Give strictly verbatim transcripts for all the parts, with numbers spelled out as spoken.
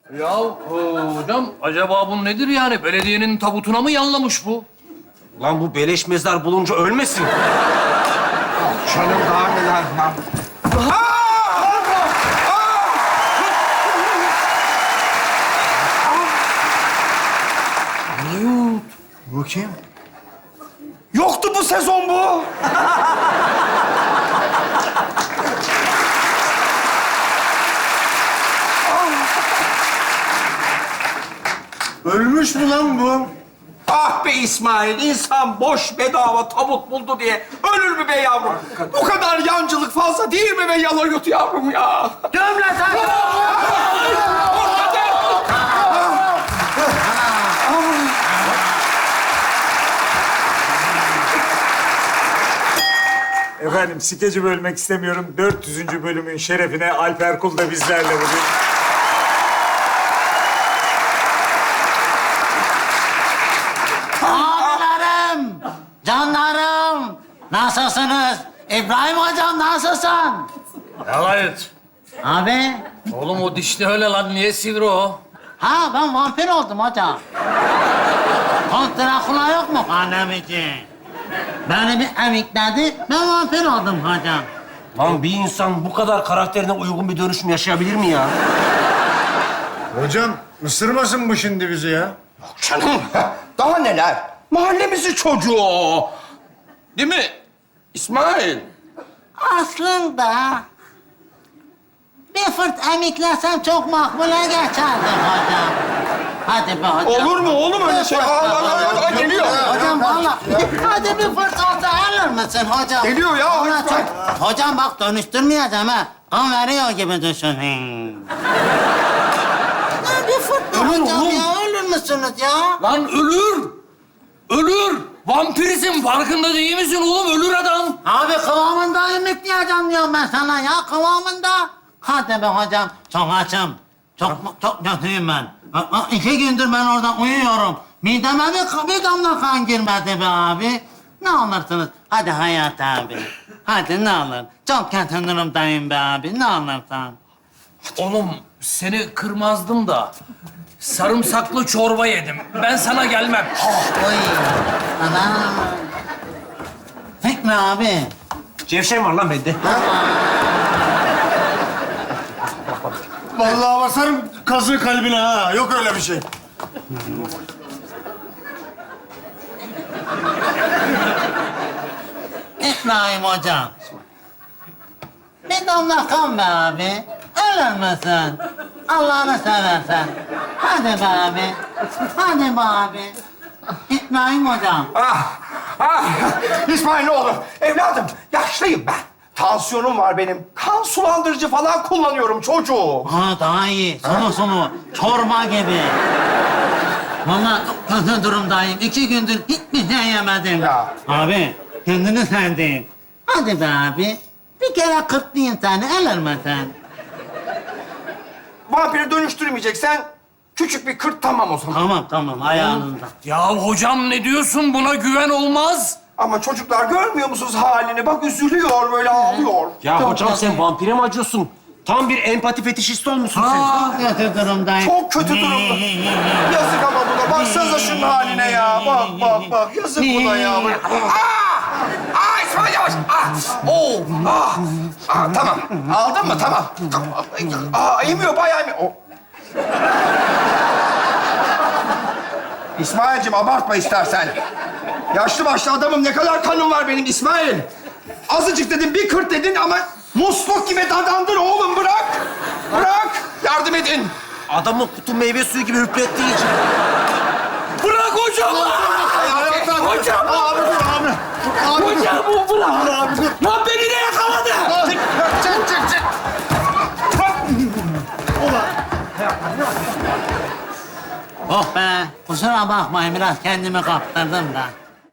Ya e, hocam acaba bu nedir yani? Belediyenin tabutuna mı yanlamış bu? Lan bu beleş mezar bulunca ölmesin. Canım daha neler lan. Bu kim? Yoktu bu sezon bu. Ölmüş mü lan bu? Ah be İsmail, insan boş bedava tabut buldu diye ölür mü be yavrum? Bu kadar yancılık fazla değil mi be yalayut yavrum ya? Gömle sen! Efendim, skeci bölmek istemiyorum. dört yüzüncü bölümün şerefine Alper Kul da bizlerle bugün. Abilerim, canlarım, nasılsınız? İbrahim hocam nasılsın? Evet. Abi, Oğlum o dişli öyle lan. Niye sivri o? ha ben vampir oldum hocam. Kont Drakula yok mu annem için? Beni bir emikledi, ben vampir oldum hocam. Lan bir insan bu kadar karakterine uygun bir dönüşüm yaşayabilir mi ya? Hocam ısırmasın bu şimdi bizi ya. Canım, daha neler? Mahallemizin çocuğu o. Değil mi İsmail? Aslında bir fırt emiklesem çok makbule geçerdi hocam. Hadi be hocam. Olur mu oğlum öyle şey? Aa, aa, aa, aa, geliyor. Hocam valla. Hadi bir fırt olsa alır mısın hocam? Geliyor ya, Vallahi hadi çok- Hocam bak dönüştürmeyeceğim ha. Kan veriyor gibi düşünün. Ya bir fırt da Ölür hocam oğlum. ya. Ölür müsünüz ya? Lan ölür. Ölür. Vampirisin. Farkında değil misin oğlum? Ölür adam. Abi kıvamında emikleyeceğim diyorum ben sana ya. Kıvamında. Hadi be hocam. Çok açım. Çok çok kötüyüm ben. A- a- İki gündür ben orada uyuyorum. Mideme bir, bir damla kan girmedi be abi. Ne alırsınız? Hadi Hayat abi. Hadi ne alır? Çok kötü durumdayım be abi. Ne alırsan. Oğlum seni kırmazdım da sarımsaklı çorba yedim. Ben sana gelmem. Oy. Ana. Fikri abi. Cevşen var lan bende. Vallahi basarım kazığı kalbine ha. Yok öyle bir şey. İbrahim hocam. Bir damla kan be abi. Ölür müsün? Allah'ını seversen. Hadi be abi. Hadi be abi. İbrahim hocam. Ah, ah. İsmail ne olur. Evladım, yaşlıyım ben. Tansiyonum var benim. Kan sulandırıcı falan kullanıyorum çocuğum. Ha daha iyi. Sonu sonu. Çorba gibi. Vallahi çok kötü durumdayım. İki gündür hiçbir şey yemedim. Ya. Abi kendini sendin. Hadi be abi. Bir kere kırklayayım seni. Ölür müsün? Vampiri dönüştürmeyeceksen küçük bir kırt tamam o zaman. Tamam tamam ayağınızda. Ya hocam ne diyorsun? Buna güven olmaz. Ama çocuklar görmüyor musunuz halini? Bak üzülüyor, böyle ağlıyor. Ya Çok hocam kötü. sen vampire mi acıyorsun? Tam bir empati fetişisti olmuşsun sen. Çok kötü durumdayım. Çok kötü durumda. Yazık ama buna. Baksanıza şunun haline ya. Bak, bak, bak. Yazık buna ya. Aa! Aa, İsmail yavaş. Aa! Oo! Aa! Aa, tamam. Aldın mı? Tamam. Tamam. Aa, emiyor, bayağı emiyor. O- İsmail'cim abartma istersen. Yaşlı başlı adamım. Ne kadar kanım var benim İsmail. Azıcık dedin, bir kırt dedin ama musluk gibi dadandın oğlum. Bırak. Bırak. Yardım edin. Adamın kutu meyve suyu gibi hüplettiği için. Bırak hocam. Hocam. Abi dur abi. Abi dur. Hocam bu bırak. Abi dur. Lan beni de yakaladı. Çık çık çık. Oh be. Kusura bakmayın biraz kendimi kaptırdım da.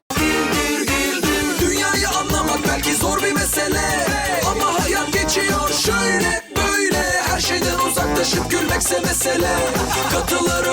Dünyayı anlamak belki zor bir mesele, ama hayat geçiyor şöyle böyle. Her şeyden uzaklaşıp gülmekse mesele. Katılır